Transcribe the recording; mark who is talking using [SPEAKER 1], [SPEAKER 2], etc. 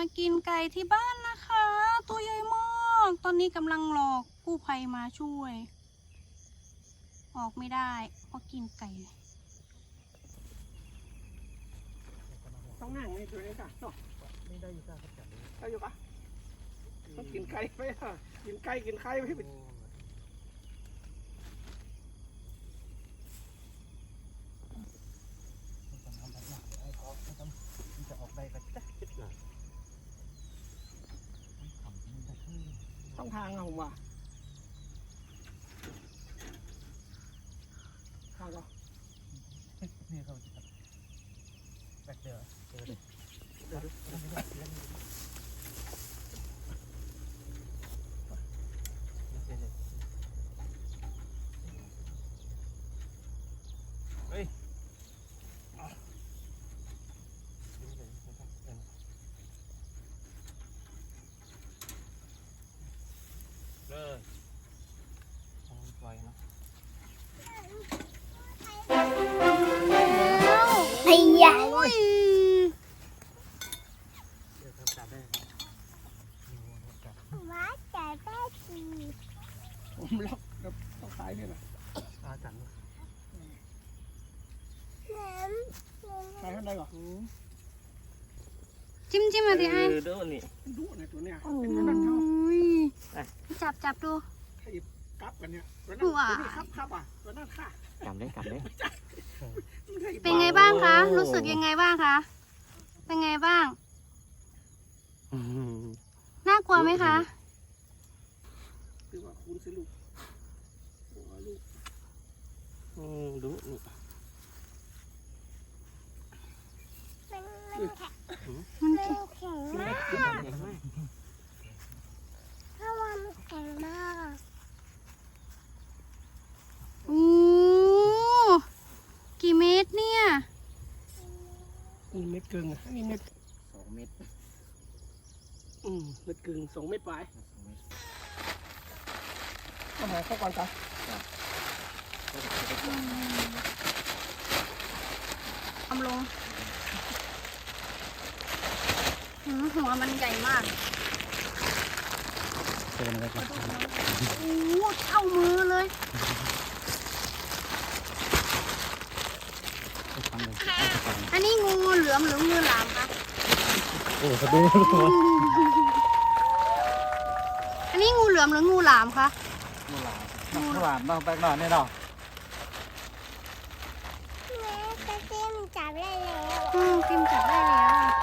[SPEAKER 1] กินไก่ที่บ้านนะคะ ตัวใหญ่มากตอนนี้กำลังรอกู้ภัยมาช่วย ออกไม่ได้เพราะกินไก่
[SPEAKER 2] ต้องนั่งในตัวนี้ค่ะเนาะไม่ได้อยู่ค่ะได้อยู่ปะต้องกินไก่ไหมค่ะกินไก่กินไข่ไหมต้องทางอะผมว่าทางก็นี่เขาแบกเจอเฮ้ยเลยปล่อยนะ
[SPEAKER 1] ไอ้ยา
[SPEAKER 2] ผมล็อกกับต้องซ้ายนี่แหละอาจังใส่ข้างในก่อน
[SPEAKER 1] จิ้มมาดิไอ้
[SPEAKER 2] ดูนี่ดูในตัวเนี้ย
[SPEAKER 1] โอ้ยจับดู
[SPEAKER 2] กับกันเนี่ยตัวนั้นครับอ่ะตัวนั้นค่ะกำได้
[SPEAKER 1] เป็นไงบ้างคะรู้สึกยังไงบ้างคะเป็นไงบ้างน่ากลัวไหมคะ
[SPEAKER 2] คือว่าคุณสิลูกดูนี่
[SPEAKER 1] มันแข็งมากถ้าวันแข็งมากโอ้กี่เมตรเนี่ย
[SPEAKER 2] นี่เม็ดกึ่งนี่เม็ด2 เม็ดเม็ดกึ่ง2 เม็ดปลายเอาหาเข้าก่อนจ้ะ
[SPEAKER 1] ทำลงหัวมันใหญ่มากโอ้เท่ามือเลยอันนี้งูเหลือมหรืองูหลามคะ
[SPEAKER 2] โอ้เขาดู
[SPEAKER 1] อันนี้งูเหลือมหรืองูหลามคะ
[SPEAKER 2] งูหลามต้องแบกหน่อยนี่เนาะ
[SPEAKER 1] จิ้มจับได้แล้ว